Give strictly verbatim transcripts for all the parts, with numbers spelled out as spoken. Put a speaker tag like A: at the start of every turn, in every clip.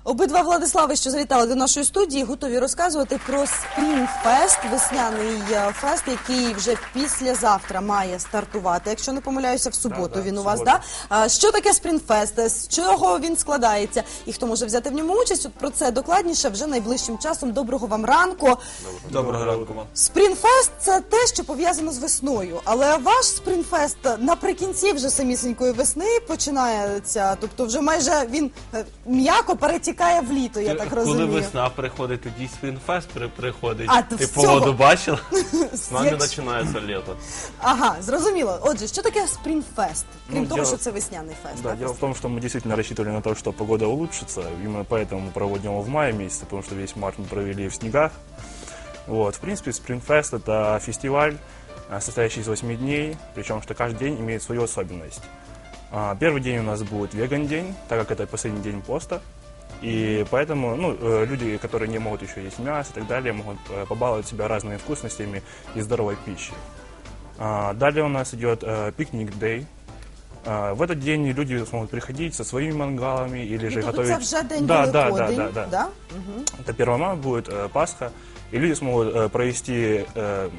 A: Обидва Владислави, що завітали до нашої студії, готові розказувати про Спрінфест, весняний фест, який вже післязавтра має стартувати. Якщо не помиляюся, в суботу
B: да, да,
A: він у
B: в
A: вас,
B: суботу.
A: да? Що таке Спрінфест, з чого він складається і хто може взяти в ньому участь? От про це докладніше вже найближчим часом. Доброго вам ранку.
C: Доброго ранку вам.
A: Спрінфест – це те, що пов'язано з весною. Але ваш Спрінфест наприкінці вже самісінької весни починається. Тобто вже майже він е, м'яко перетікає в літо, я так розумію.
C: Коли весна приходить, тоді Спрінфест при- приходить.
A: А, то
C: Ти
A: з цього-
C: погоду бачила?
D: С нами начинается лето.
A: Ага, зрозуміло. Отже, що таке Спрінфест? Крім
B: Ну,
A: того,
B: дело-
A: що це весняний фест.
B: Да,
A: так?
B: дело в том, что мы действительно рассчитывали на то, что погода улучшится. Именно поэтому мы проводим его в мае месяце, потому что весь март мы провели в снегах. Вот. В принципе, Спринфест — это фестиваль, а, состоящий из восьми дней, причем что каждый день имеет свою особенность. А, Первый день у нас будет веган-день, так как это последний день поста. И поэтому ну, э, люди, которые не могут еще есть мясо и так далее, могут э, побаловать себя разными вкусностями и здоровой пищей. А, Далее у нас идет э, пикник-дэй. А, В этот день люди смогут приходить со своими мангалами или же
A: Ну, тобто
B: готовить...
A: це вже день
B: да, да, да,
A: Великодень,
B: да, да.
A: да? Мгм.
B: Это первое мая будет э, Пасха, и люди смогут э, провести э,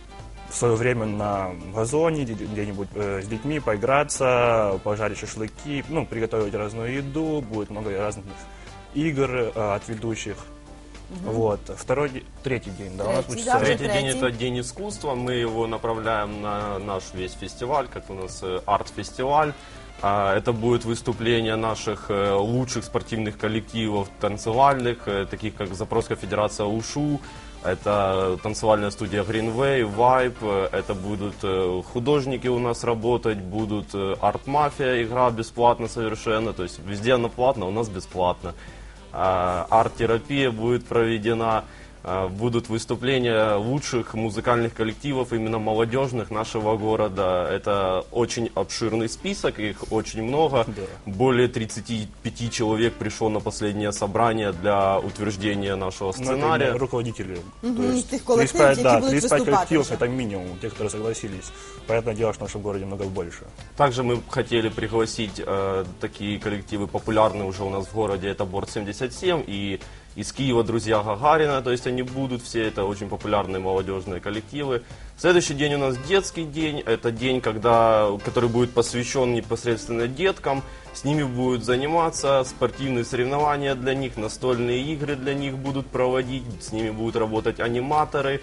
B: свое время на газоне, где- где-нибудь э, с детьми, поиграться, пожарить шашлыки, ну, приготовить разную еду, будет много разных игр э, от ведущих. Вот. Второй, де- третий день, да, у нас
A: Третий,
B: будет
A: да,
B: э,
A: уже
D: Третий день
A: третий.
D: это день искусства. Мы его направляем на наш весь фестиваль, как у нас э, арт-фестиваль. А, Это будет выступление наших э, лучших спортивных коллективов танцевальных, э, таких как Запорожская федерация УШУ, это танцевальная студия Greenway, Vibe, э, это будут э, художники у нас работать, будут э, арт-мафия, игра бесплатно совершенно, то есть везде она платна, у нас бесплатно. А, Арт-терапия будет проведена, а, будут выступления лучших музыкальных коллективов, именно молодежных нашего города. Это очень обширный список, их очень много.
B: Да.
D: Более тридцати пяти человек пришло на последнее собрание для утверждения нашего
B: ну, это
D: сценария.
B: именно руководители.
A: Мгм,
B: То есть
A: тех коллективов,
B: тридцать пять, да,
A: которые будут
B: тридцать пять
A: выступать
B: коллективов
A: уже.
B: это минимум, те, которые согласились. Понятное дело, что в нашем городе много больше.
D: Также мы хотели пригласить э, такие коллективы популярные уже у нас в городе, это Борт семьдесят семь и из Киева друзья Гагарина, то есть они будут все, это очень популярные молодежные коллективы. Следующий день у нас детский день, это день, когда, который будет посвящен непосредственно деткам, с ними будут заниматься, спортивные соревнования для них, настольные игры для них будут проводить, с ними будут работать аниматоры,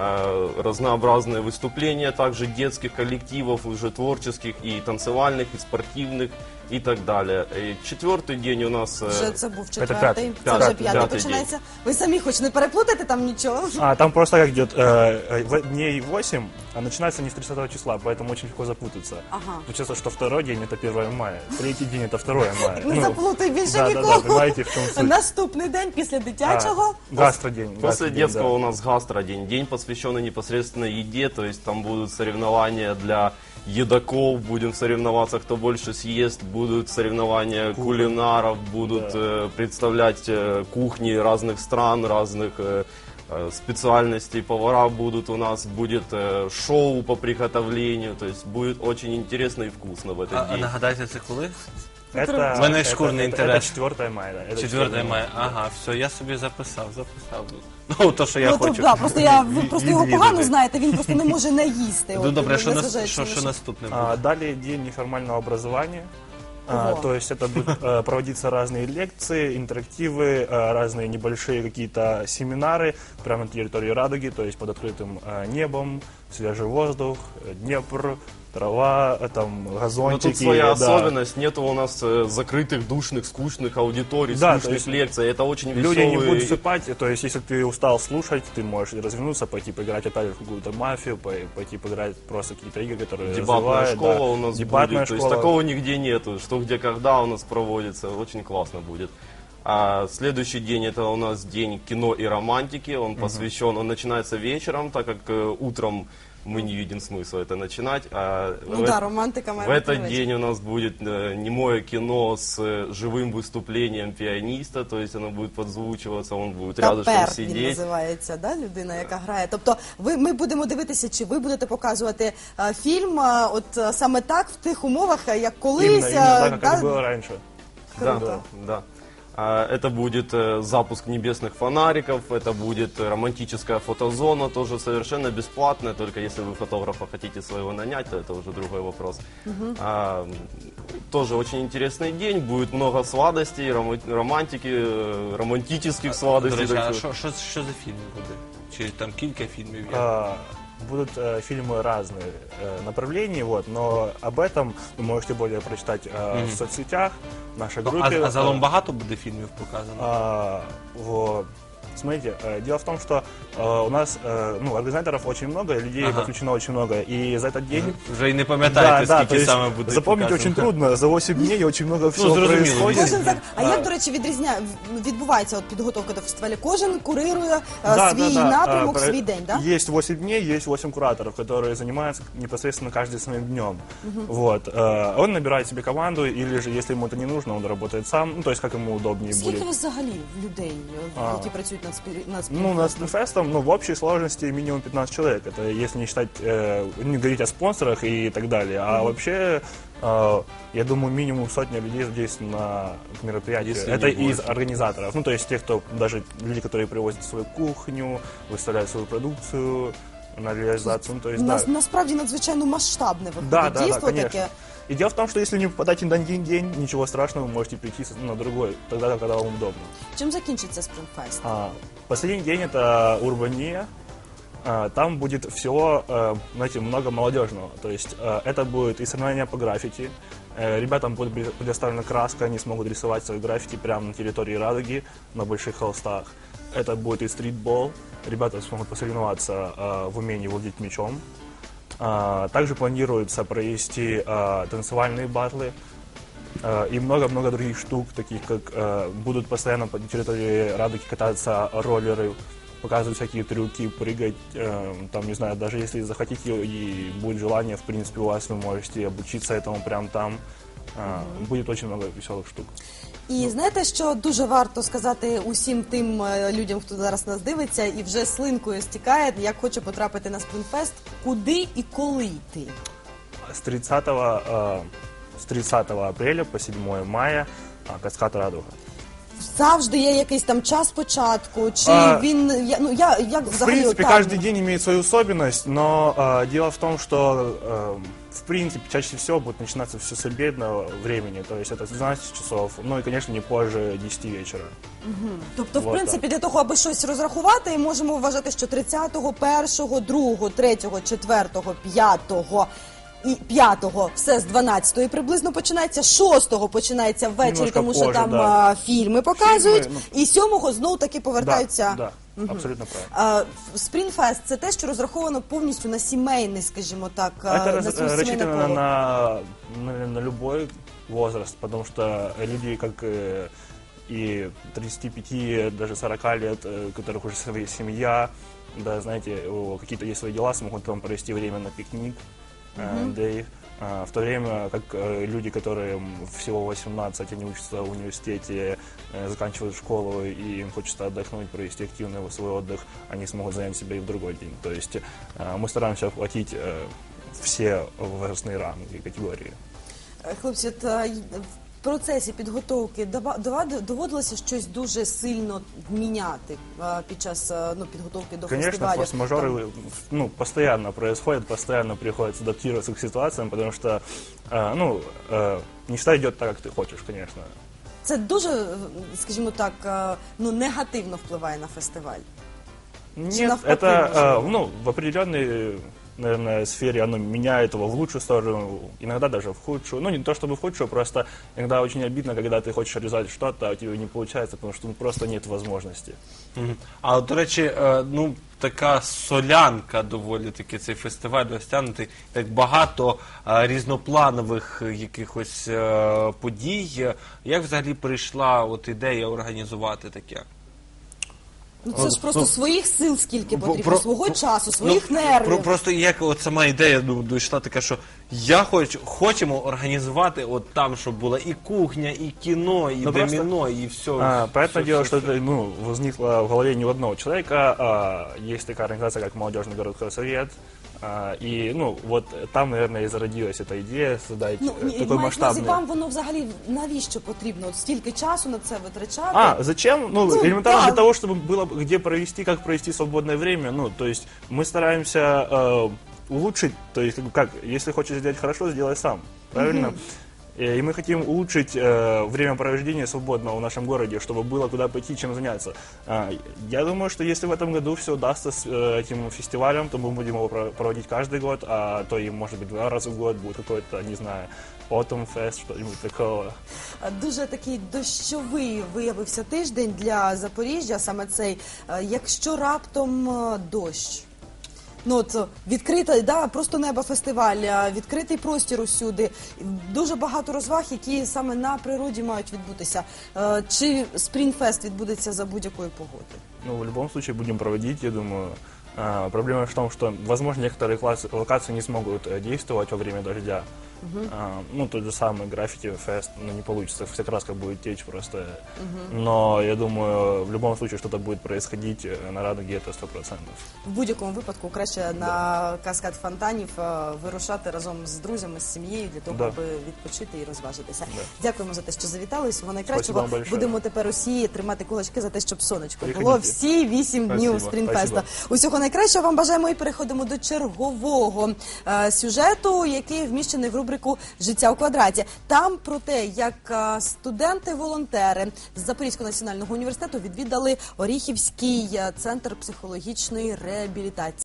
D: э, разнообразные выступления, также детских коллективов, уже творческих и танцевальных, и спортивных, и так далее. И четвертый день у нас... э,
A: Вже це був
B: п'ятий.
A: четвертий, це
D: П'ятий,
A: вже п'ятий
D: п'ятий
A: починається. Ви самі хоч не переплутайте там нічого?
B: А, там просто как идет э, э, в- дней восемь, а начинается не с тридцатого числа, поэтому очень легко запутаться.
A: Ага.
B: Получается, что второй день это первое мая, третий день это второе мая.
A: Не
B: Ну,
A: заплутай більше
B: да, да, да,
A: нікого.
B: понимаете, в чем суть.
A: Наступний день після дитячого.
B: А, гастродень.
D: После
B: гастродень,
D: детского
B: да.
D: у нас гастродень, день, посвященный непосредственно еде, то есть там будут соревнования для едоков, будем соревноваться, кто больше съест, будут соревнования кулинаров, будут
B: Да.
D: э, представлять э, кухни разных стран, разных э, э, специальностей, повара будут у нас, будет э, шоу по приготовлению, то есть будет очень интересно и вкусно в этот
C: А, а
D: день.
C: нагадайте, це коли?
B: Это,
C: У мене
B: это-
C: шкурний
B: это-
C: інтерес.
B: Это четвертое мая. да, это
C: четвертого мая. Ага, все, я собі записав, записав. Ну, то, що я
A: Ну, то,
C: хочу.
A: да, просто я, ви просто його
C: відвідати.
A: погано знаєте, він просто не може не їсти.
C: Ну,
A: От,
C: добре, що, нас,
A: незважаючи
C: що,
A: на
C: що наступне буде?
B: А, далее день неформального образования. А,
A: Ого.
B: то есть это будут э, проводиться разные лекции, интерактивы, э, разные небольшие какие-то семинары прямо на территории Радуги, то есть под открытым э, небом, свежий воздух, э, Днепр, трава, э, там
D: Но
B: газончики.
D: тут своя
B: да.
D: особенность, нету у нас э, закрытых, душных, скучных аудиторий,
B: Да, то
D: скучных
B: есть
D: лекций. Это очень
B: Люди не
D: веселые.
B: будут засыпать, то есть если ты устал слушать, ты можешь развернуться, пойти поиграть опять в какую-то мафию, пой- пойти поиграть просто какие-то игры, которые
D: Дебатная
B: развивают,
D: школа
B: да.
D: у нас
B: Дебатная
D: будет. То есть
B: школа.
D: такого нигде нету. Что, где, когда у нас проводится. Очень классно будет. А следующий день это у нас день кино и романтики. Он посвящен, он начинается вечером, так как э, утром мы не видим смысла это начинать. А
A: Ну
D: в,
A: да,
D: э-
A: романтика
D: в
A: має бути
D: этот
A: на вечір.
D: день у нас будет э, немое кино с э, живым выступлением пианиста, то есть оно будет подзвучиваться, он будет рядышком
A: Тапер він
D: сидеть.
A: називається, да, людина, яка грає. Тобто ви, ми будемо дивитися, чи ви будете показувати е, фільм е, от е, саме так, в тих умовах, е, як колись.
B: Именно, именно
A: е,
B: так, как
A: да?
B: это было раньше.
D: Да,
A: Круто.
D: да. А, Это будет э, запуск небесных фонариков, это будет романтическая фотозона, тоже совершенно бесплатная, только если вы фотографа хотите своего нанять, то это уже другой вопрос. А, Тоже очень интересный день, будет много сладостей, рома- романтики, э, романтических
C: До
D: сладостей.
C: речі,
D: так
C: а
D: что-
C: що, що, що за фільм буде? Чи там кілька фільмів є?
B: А, Будут э, фильмы разных э, направлений, вот, но об этом вы можете более прочитать э, в соцсетях, в нашей
C: Ну,
B: группе.
C: а, а загалом
B: Э,
C: багато буде фільмів показано?
B: а, во- Смотрите, э, дело в том, что э, у нас э, ну, организаторов очень много, людей
C: Ага.
B: подключено очень много, и за этот день...
C: Вже і не пам'ятаєте,
B: то
C: скільки
B: есть
C: саме буде
B: запомнить
C: показано.
B: очень трудно, за восемь дней очень много всего
C: зрозуміло,
B: происходит.
A: Кожен так. А як, до речі, відрізняє відбувається от підготовка до фестивалю? Кожен курирує е,
B: Да,
A: свій
B: да, да.
A: напрямок,
B: А, про-
A: свій день, так?
B: Есть восемь дней, есть восемь кураторов, которые занимаются непосредственно каждый своим днем. Вот. э, Он набирает себе команду, или же, если ему это не нужно, он работает сам, ну, то есть, как ему удобнее
A: Скільки
B: будет.
A: у вас взагалі людей, е,
B: А.
A: які працюють над спір... над
B: Ну, над
A: спільним?
B: Спринфестом, ну, в общей сложности минимум пятнадцать человек. Это если не считать, э, не говорить о спонсорах и так далее. А вообще, э, я думаю, минимум сотня людей здесь на мероприятии.
D: Если
B: Это
D: не
B: из
D: больше.
B: организаторов. Ну, то есть тех, кто, даже люди, которые привозят свою кухню, выставляют свою продукцию на реализацию. Ну, то есть,
A: Нас,
B: да.
A: насправді надзвичайно масштабне виходить
B: Да, да, да,
A: дійство
B: конечно.
A: таке.
B: И дело в том, что если не попадаете на один день, ничего страшного, вы можете прийти на другой, тогда, когда вам удобно.
A: Чим закінчиться Спринфест?
B: А, Последний день это Урбания. А, Там будет всего, э, знаете, много молодежного. То есть э, это будет и соревнования по граффити. Э, Ребятам будет предо- предоставлена краска, они смогут рисовать свои граффити прямо на территории Радуги, на больших холстах. Это будет и стритбол. Ребята смогут посоревноваться э, в умении владеть мячом. А, Также планируется провести э, танцевальные батлы. Э, И много-много других штук, таких как э, будут постоянно по территории Радуги кататься роллеры, показывать всякие трюки, прыгать, э, там, не знаю, даже если захотите и будет желание, в принципе, у вас вы можете обучиться этому прямо там. Э, Будет очень много веселых штук.
A: І знаєте, що дуже варто сказати усім тим е, людям, хто зараз нас дивиться, і вже слинкою стікає, як хоче потрапити на Спринфест, куди і коли йти?
B: С тридцатого, э, с тридцатого апреля по седьмое мая э, Каскад Радуга.
A: Завжди є якийсь там час початку, чи
B: А,
A: він я- ну я як
B: В
A: взагалі
B: принципе,
A: отак?
B: каждый день имеет свою особенность, но э, дело в том, что э, в принципе чаще всего будет начинаться все с обедного времени, то есть это с двенадцати часов, ну и, конечно, не позже десяти вечера.
A: Тобто, в
B: Вот
A: принципі, для того, аби щось розрахувати, можемо вважати, що тридцятого, першого, другого, третього, четвертого, п'ятого і п'ятого все з дванадцятої приблизно починається, шостого починається ввечері,
B: Немножко
A: тому що
B: позже,
A: там
B: да.
A: а, фільми показують,
B: Фільми,
A: і сьомого знову таки повертаються.
B: Да, да, абсолютно правильно.
A: А, Спринфест – це те, що розраховано повністю на сімейний, скажімо так, а,
B: Это
A: на
B: раз-
A: свій сімейне
B: рассчитано
A: коло.
B: на, на, на любой возраст, потому что люди, как э, и тридцати пяти, даже сорока лет, э, у которых уже своя семья, да, знаете, у- какие-то есть свои дела, смогут там провести время на пикник, э, day. А, В то время как э, люди, которым всего восемнадцать, они учатся в университете, э, заканчивают школу, и им хочется отдохнуть, провести активный свой отдых, они смогут занять себя и в другой день. То есть э, мы стараемся охватить э, все возрастные ранги и категории.
A: Е, Хлопці, от, а, й- в процесі підготовки дава- дова- доводилося щось дуже сильно міняти а, під час а, ну, підготовки до
B: Конечно,
A: фестивалю?
B: форс-мажоры ну, постоянно происходят, постоянно приходится адаптироваться к ситуациям, потому что э, ну, э, не всегда идет так, как ты хочешь, конечно.
A: Це дуже, е, скажімо так, е, ну, негативно впливає на фестиваль.
B: Нет,
A: навпаки,
B: это
A: может
B: э,
A: быть?
B: ну, в определенной, наверное, сфере оно меняет его в лучшую сторону, иногда даже в худшую. Ну, не то чтобы в худшую, просто иногда очень обидно, когда ты хочешь реализовать что-то, а у тебя не получается, потому что ну, просто нет возможности.
C: Мгм. А от, до речі, е, ну така солянка доволі таки цей фестиваль розтягнутий, так багато е, різнопланових е, якихось е, подій. Як взагалі прийшла от ідея організувати таке?
A: Ну, це ж просто
C: ну,
A: своїх сил скільки
C: Бо-
A: потрібно,
C: про-
A: свого
C: про-
A: часу, своїх
C: ну,
A: нервів.
C: Про, просто як от сама ідея ну, дійшла така, що я хочу, хочемо організувати от там, щоб була і кухня, і кіно, і
B: Ну, просто-
C: доміно, і все.
B: А, понятное
C: все,
B: дело,
C: все,
B: что это ну, возникло в голове не у одного человека. А, есть такая организация, как Молодежный городской совет. А, И, ну, вот там, наверное, и зародилась эта идея создать
A: Ну,
B: э,
A: ні,
B: такой
A: мають на увазі,
B: масштабный...
A: вам воно взагалі навіщо потрібно? От стільки часу на це витрачати?
B: А, зачем? Ну,
A: Ну,
B: элементарно
A: да.
B: для того, чтобы было где провести, как провести свободное время. Ну, то есть мы стараемся э, улучшить, то есть как, бы, как, если хочешь сделать хорошо, сделай сам, правильно? Э, И мы хотим улучшить э, времяпровождение свободного в нашем городе, чтобы было куда пойти, чем заняться. А, я думаю, что если в этом году все удастся с э, этим фестивалем, то мы будем его про- проводить каждый год, а то и, может быть, два раза в год будет какой-то, не знаю, Autumn Fest, что-нибудь такого.
A: Дуже такий дощовий виявився тиждень для Запоріжжя, саме цей. Е, Якщо раптом е, дощ, ну от е, відкрита, да, просто неба фестиваль, е, відкритий простір усюди, дуже багато розваг, які саме на природі мають відбутися. Е, Чи Спрінфест відбудеться за будь-якої погоди?
B: Ну, в любом случае будем проводить, я думаю. А, проблема в том, что, возможно, некоторые классы- локации не смогут э, действовать во время дождя. А, ну, тот же самый граффити-фест, ну, не получится, вся краска будет течь просто. Но, я думаю, в любом случае что-то будет происходить э, на Радуге, это сто процентов.
A: В будь-якому випадку краще на каскад фонтанів е, вирушати разом з друзями, з сім'єю для того,
B: Да.
A: аби відпочити і розважитися.
B: Да.
A: Дякуємо за те, що завітали. Всього найкращого.
B: Спасибо вам большое.
A: Будемо тепер усі тримати кулачки за те, щоб сонечко було
B: Приходите.
A: всі вісім днів
D: Спасибо.
A: Спрінфеста. Усього найкращого вам бажаємо і переходимо до чергового е, сюжету, який вміщений в рубрику «Життя у квадраті». Там про те, як е, студенти-волонтери з Запорізького національного університету відвідали Оріхівський е, центр психологічної реабілітації.